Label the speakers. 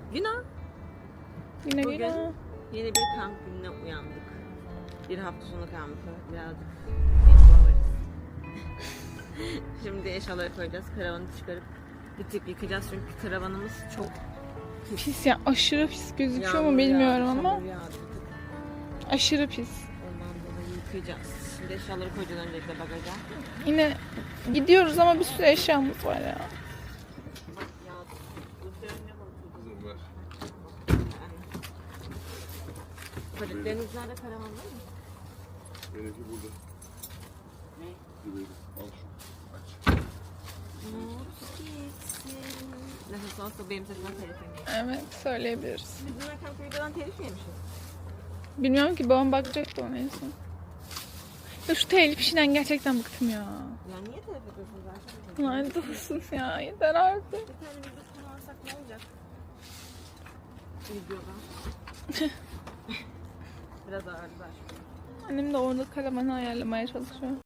Speaker 1: Günah.
Speaker 2: Yine
Speaker 1: Bugün
Speaker 2: yine.
Speaker 1: yeni bir kamp gününe uyandık. Bir hafta sonu kampı. Birazcık eşyalarız. Şimdi eşyaları koyacağız. Karavanı çıkarıp bir tık yıkayacağız çünkü karavanımız çok
Speaker 2: Pis ya, aşırı pis gözüküyor mu
Speaker 1: yağmur
Speaker 2: bilmiyorum
Speaker 1: yağdı,
Speaker 2: ama
Speaker 1: çamur yağdı bir tık.
Speaker 2: aşırı pis.
Speaker 1: Ondan dolayı yıkayacağız. Şimdi eşyaları koyacağız öncelikle bagaja.
Speaker 2: Yine gidiyoruz ama bir sürü eşyamız var ya.
Speaker 3: Kızım ver.
Speaker 1: Paletleriniz nerede, karavanda mı?
Speaker 3: Benimki burada.
Speaker 1: Ne?
Speaker 3: Güveyim. Al şunu. Aç.
Speaker 1: Nefes olsa benim sesimden telif yemeyiz.
Speaker 2: Evet, söyleyebiliriz.
Speaker 1: Biz dün akşam videodan telif mi yemişiz?
Speaker 2: Bilmiyorum ki, babam bakacaktı ona en son. Ya şu telif işinden gerçekten bıktım ya.
Speaker 1: Ya niye telif ediyorsunuz zaten?
Speaker 2: Lanet olsun ya, yeter artık.
Speaker 1: Bir tane video kullansak ne olacak? Videoda. Biraz ağırlar.
Speaker 2: Annem de orada karavanı ayarlamaya çalışıyor.